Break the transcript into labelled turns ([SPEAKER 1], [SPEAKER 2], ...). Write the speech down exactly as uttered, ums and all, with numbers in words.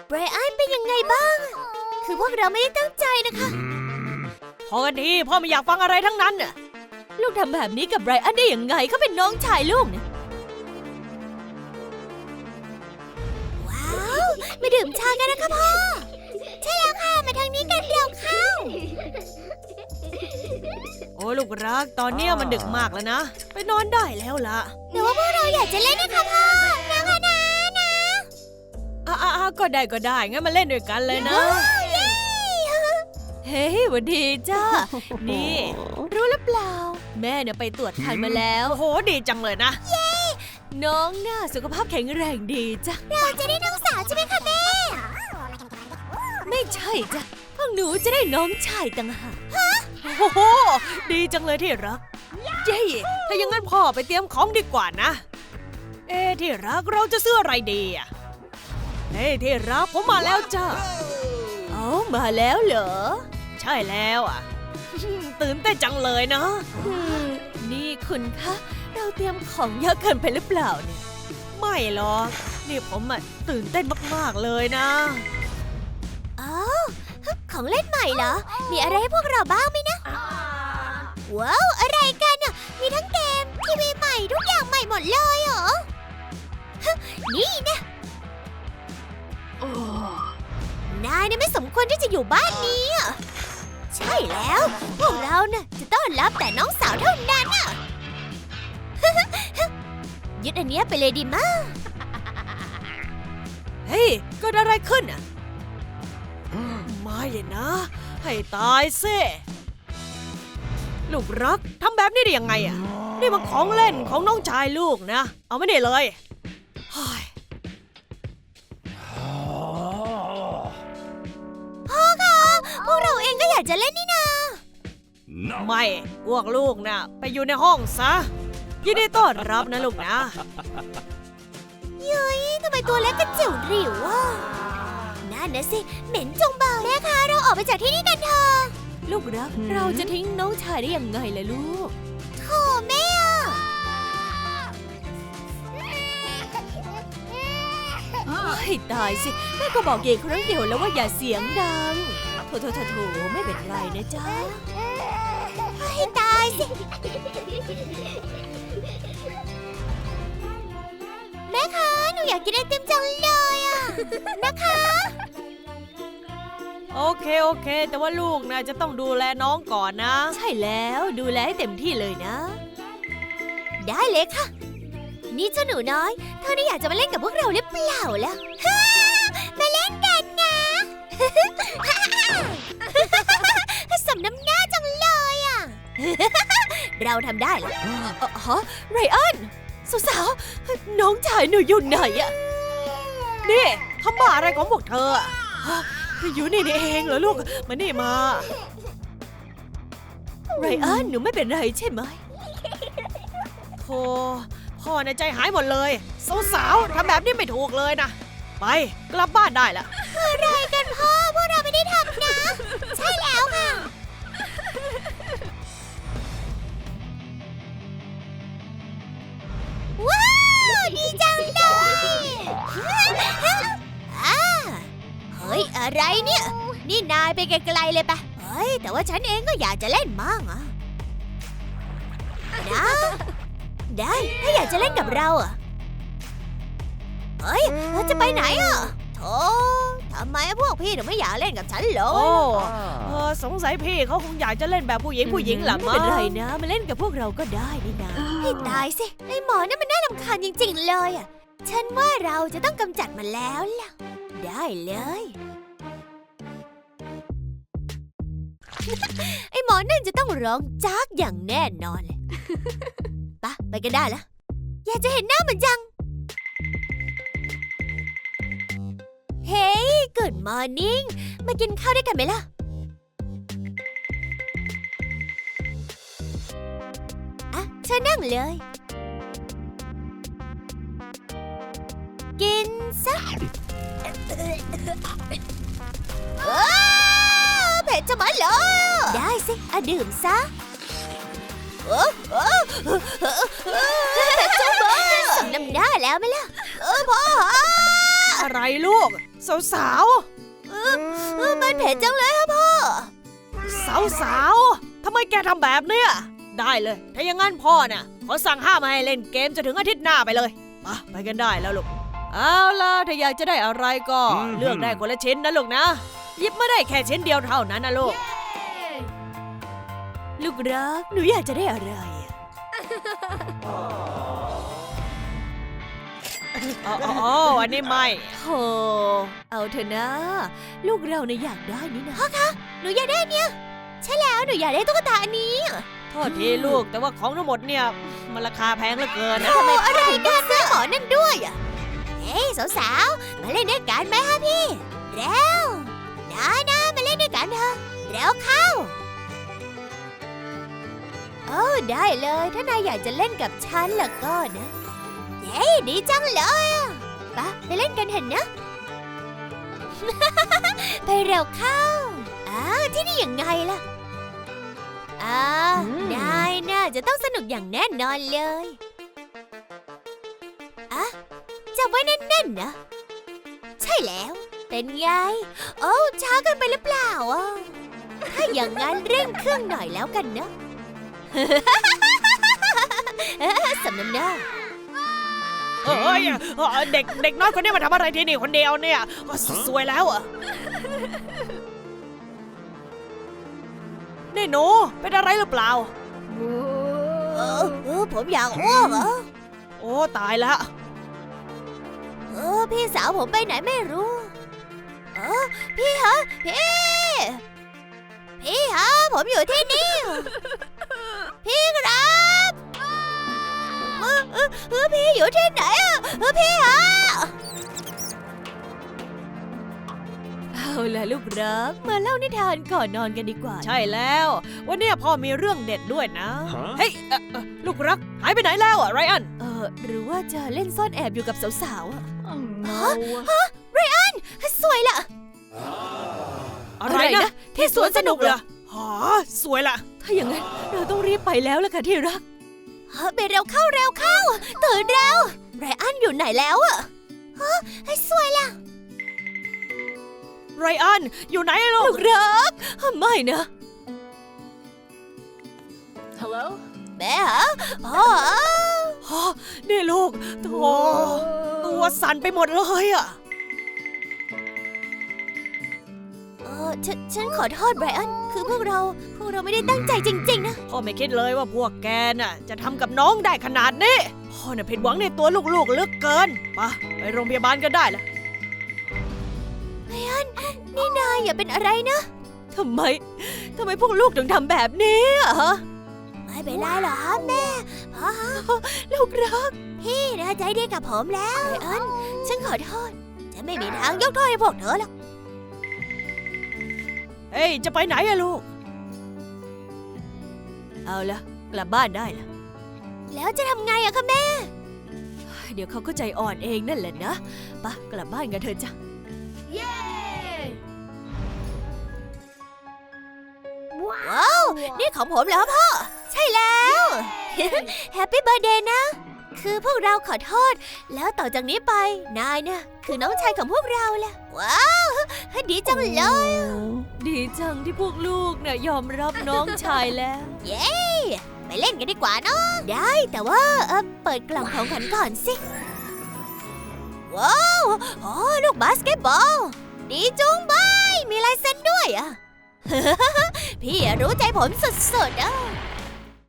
[SPEAKER 1] ไบรอันเป็นยังไงบ้างคือพวกเราไม่ได้ตั้งใจนะคะ
[SPEAKER 2] พอกันทีพ่อไม่อยากฟังอะไรทั้งนั้นน่ะ
[SPEAKER 1] ลูกทำแบบนี้กับไบรอันได้ยังไงเขาเป็นน้องชายลูกเนี่ยว้าวมาดื่มชากันนะคะพ่อใช่แล้วค่ะมาทางนี้กันเร็วเข้า
[SPEAKER 2] โอ้ลูกรักตอนนี้มันดึกมากแล้วนะไปนอนได้แล้วล่ะ
[SPEAKER 1] แต่ว่าพวกเราอยากจะเล่นนะคะพ่อนะคะนะนะ
[SPEAKER 2] อ่ะๆก็ได้ก็ได้งั้นมาเล่นด้วยกันเลยนะ
[SPEAKER 1] เฮ้ยวันดีจ้านี่รู้หรือเปล่าแม่เนี่ยไปตรวจคันมาแล้ว
[SPEAKER 2] โอ้โหดีจังเลยนะ
[SPEAKER 1] เย้น้องน่าสุขภาพแข็งแรงดีจ้ะเราจะได้น้องสาวใช่ไหมคะแม่ไม่ใช่จ้ะพวกหนูจะได้น้องชายต่างหาก
[SPEAKER 2] ฮะโอ้โหดีจังเลยที่รักเย้ถ้าอย่างนั้นพ่อไปเตรียมของดีกว่านะเอ๊ที่รักเราจะซื้ออะไรดีอ่ะเฮ้ที่รักผมมาแล้วจ้า
[SPEAKER 1] อ๋อมาแล้วเหรอ
[SPEAKER 2] ใช่แล้วอ่ะตื่นเต้นจังเลยนะ
[SPEAKER 1] นี่คุณคะเราเตรียมของเยอะเกินไปหรือเปล่าเนี่ย
[SPEAKER 2] ไม่หรอกนี่ผมอ่ะตื่นเต้นมากๆเลยนะ
[SPEAKER 1] อ๋อของเล่นใหม่เหรอมีอะไรให้พวกเราบ้างไหมนะว้าวอะไรกันอ่ะมีทั้งเกมทีวีใหม่ทุกอย่างใหม่หมดเลยเหรอนี่นะนายเนี่ยไม่สมควรที่จะอยู่บ้านนี้อ่ะใช่แล้วพวกเราเนี่ยจะต้อนรับแต่น้องสาวเท่านั้นอ่ะยึดอันเนี้ยไปเลยดีมาก
[SPEAKER 2] เฮ้ยเกิดอะไรขึ้นอ่ะไม่เลยนะให้ตายซิลูกรักทำแบบนี้ได้ยังไงอ่ะนี่มันของเล่นของน้องชายลูกนะเอาไม่ได้เลย
[SPEAKER 1] พ่อคะพวกเราเองก็อยากจะเล่นนี่นา
[SPEAKER 2] ไม่พวกลูกนะไปอยู่ในห้องซะยินดีต้อนรับนะลูกนะ
[SPEAKER 1] เย้ยทำไมตัวเล็กกระจิ๋วหริวอ่ะนั่นนะสิเหม็นจงเบาแม่คะเราออกไปจากที่นี่กันเถอะลูกรักเราจะทิ้งน้องชายได้ยังไงล่ะลูกโธ่แม่ให้ตายสิแม่ก็บอกเย่ครั้งเดียวแล้วว่าอย่าเสียงดังโถโถโถโถไม่เป็นไรนะจ๊ะให้ตายสิแม่คะหนูอยากกินไอติมจังเลยอ่ะนะคะ
[SPEAKER 2] โอเคโอเคแต่ว่าลูกนะจะต้องดูแลน้องก่อนนะ
[SPEAKER 1] ใช่แล้วดูแลให้เต็มที่เลยนะได้เลยค่ะนี่เจ้าหนูน้อยเธอนี่อยากจะมาเล่นกับพวกเราหรือเปล่าล่ะมาเล่นกันนะสมน้ำหน้าจังเลยอ่ะเราทำได้แล้วฮะไรอันสาวๆน้องชายหนูอยู่ไหนอ่ะ
[SPEAKER 2] นี่ทำบ้าอะไรของพวกเธออยู่นี่นี่เองเหรอลูกมานี่มา
[SPEAKER 1] ไรอันหนูไม่เป็นไรใช่ไหม
[SPEAKER 2] โธ่พ่อในใจหายหมดเลยสาวๆทำแบบนี้ไม่ถูกเลยนะไปกลับบ้านได้ละ
[SPEAKER 1] อะไรกันพ่อพวกเราไม่ได้ทำนะใช่แล้วค่ะว้าวดีจังเลยอ่าเฮ้ยอะไรเนี่ยนี่นายไปไกลๆเลยปะเฮ้ยแต่ว่าฉันเองก็อยากจะเล่นมั่งอ่ะนะได้ถ้าอยากจะเล่นกับเราอ่ะเฮ้ยเราจะไปไหนอ่ะโธ่ทำไมพวกพี่ถึงไม่อยากเล่นกับฉันเหรอ
[SPEAKER 2] โอ้สงสัยพี่เขาคงอยากจะเล่นแบบผู้หญิงผู้หญิงหลัง
[SPEAKER 1] ไม่เป็นไรนะมาเล่นกับพวกเราก็ได้นี่นะให้ตายสิไอ้หมอนั่นมันน่ารำคาญจริงๆเลยอ่ะฉันว่าเราจะต้องกำจัดมันแล้วล่ะได้เลยไอ้หมอนั่นจะต้องร้องจ๊ากอย่างแน่นอนเลยปะไปกันได้แล้วอยากจะเห็นหน้ามันจังเฮ้ย Good morning มากินข้าวด้วยกันไหมล่ะอ่ะเชิญนั่งเลยกินซะเผ็ดจะมาเลยได้สิอ่ะดื่มซะเผ็ดจะมาสมน้ำหน้าแล้วไหมล่ะเออพ่อ
[SPEAKER 2] อะไรอะไรลูก สาวๆ
[SPEAKER 1] เออมันเผ็ดจังเลยครับพ่อ
[SPEAKER 2] สาวๆ ทำไมแกทำแบบเนี้ย ได้เลย ถ้าอย่างงั้นพ่อน่ะขอสั่งห้ามไม่ให้เล่นเกมจนถึงอาทิตย์หน้าไปเลยไปไปกันได้แล้วลูก เอาล่ะถ้าอยากจะได้อะไรก็เลือกได้คนละชิ้นนะลูกนะ หยิบมาได้แค่ชิ้นเดียวเท่านั้นนะลูก
[SPEAKER 1] ลูกรัก หนูอยากจะได้อะไรอะ
[SPEAKER 2] อ๋ออ๋ออันนี้ไม่
[SPEAKER 1] โธ่เอาเถอะนะ ลูกเราเนี่ยอยากได้นี่นะพ่อคะ หนูอยากได้เนี่ยใช่แล้วหนูอยากได้ตุ๊กตาอันนี้
[SPEAKER 2] โทษทีลูกแต่ว่าของทั้งหมดเนี่ยมันราคาแพงเหลือเกินนะ
[SPEAKER 1] ทำไมอะไรกันซื้อหมอนั่นด้วยอ่ะเฮ้ยสาวๆ มาเล่นด้วยกันไหมฮะพี่ เร็วนะนะมาเล่นด้วยกันเถอะเร็วเข้าโอ้ได้เลยถ้านายอยากจะเล่นกับฉันล่ะก็นะเฮ้ยดีจังเลยอ่ะไปไปเล่นกันเถอะนะ ไปเร็วเข้าอ้าวที่นี่ยังไงล่ะอ่านายน่าจะต้องสนุกอย่างแน่นอนเลยอะจับไว้แน่นๆนะใช่แล้วเป็นไงโอ้ช้าเกินไปหรือเปล่าอ่ะถ้าอย่างนั้นเร่งเครื่องหน่อยแล้วกันนะ สำน้ำหน้า
[SPEAKER 2] เอ้ยเด็กเด็กน้อยคนนี้มาทำอะไรที่นี่คนเดียวเนี่ยก็สวยแล้วอ่ะนี่หนูเป็นอะไรหรือเปล่า
[SPEAKER 1] เออเออผมอยากอ้วกเหรอ
[SPEAKER 2] โอ้ตายแล้ว
[SPEAKER 1] เออพี่สาวผมไปไหนไม่รู้เออพี่ฮะพี่พี่ฮะผมอยู่ที่นี่พี่ครับเออเออเออพี่อยู่ที่ไหนอ่ะเออพี่ฮะเอาล่ะลูกรักมาเล่านิทานก่อนนอนกันดีกว่า
[SPEAKER 2] ใช่แล้ววันนี้พ่อมีเรื่องเด็ดด้วยนะเฮ้ยเอ่อเอ่อลูกรักหายไปไหนแล้วอ่ะไรอัน
[SPEAKER 1] เออหรือว่าจะเล่นซ่อนแอบอยู่กับสาวๆอ่ะ
[SPEAKER 2] ฮะ
[SPEAKER 1] ฮะไรอันสวยล่ะ
[SPEAKER 2] อะไรนะที่สวนสนุกเหรอฮะสวยละ
[SPEAKER 1] ถ้าอย่างนั้นเราต้องรีบไปแล้วล่ะค่ะที่รักไปเร็วเข้าเร็วเข้าตื่นเร็วไรอันอยู่ไหนแล้วอ่ะฮะให้สวยล่ะ
[SPEAKER 2] ไรอันอยู่ไหนลู
[SPEAKER 1] ลู
[SPEAKER 2] ก
[SPEAKER 1] กรักไม่นะ
[SPEAKER 3] Hello?
[SPEAKER 1] แม่ฮะพ่อ
[SPEAKER 2] ฮะนี่ลูกโธ่ตัวสั่นไปหมดเลยอ่ะ
[SPEAKER 1] เออฉันฉันขอโทษไบรอันคือพวกเราพวกเราไม่ได้ตั้งใจจริงๆนะ
[SPEAKER 2] พ่อไม่คิดเลยว่าพวกแกน่ะจะทำกับน้องได้ขนาดนี้พ่อน่ะผิดหวังในตัวลูกๆเหลือเกินไปไปโรงพยาบาลก็ได้ละ
[SPEAKER 1] ไบรอันนี่นายอย่าเป็นอะไรนะทำไมทำไมพวกลูกถึงทำแบบนี้อ่ะไม่เป็นไรหรอกครับแม่พ่อลูกรักพี่นะใจดีกับผมแล้วไบรอันฉันขอโทษฉันไม่มีทางยกโทษให้พวกเธอหรอก
[SPEAKER 2] เฮ้ยจะไปไหนอะลูกเอาละกลับบ้านได้ละ
[SPEAKER 1] แล้วจะทำไงอะคะแม่
[SPEAKER 2] เดี๋ยวเขาก็ใจอ่อนเองนั่นแหละนะไปกลับบ้านกันเถอะจ้ะ
[SPEAKER 3] Yay!
[SPEAKER 1] ว้าว นี่ของผมเหรอพ่อ ใช่แล้ว แฮปปี้เบ t ร์ a เดย์นะ คือพวกเราขอโทษ แล้วต่อจากนี้ไป นายเนี่ยคือน้องชายของพวกเราแหละ ว้าวดีจังเลย
[SPEAKER 2] ดีจังที่พวกลูกเนี่ยยอมรับน้องชายแล้ว
[SPEAKER 1] เย้ไปเล่นกันดีกว่าเนาะได้แต่ว่าเออเปิดกล่องของขวัญก่อนสิ ว้าวโอ้ลูกบาสเกตบอล ดีจุงบายมีลายเซ็นด้วยอ่ะ พี่รู้ใจผมสุดๆอ่ะ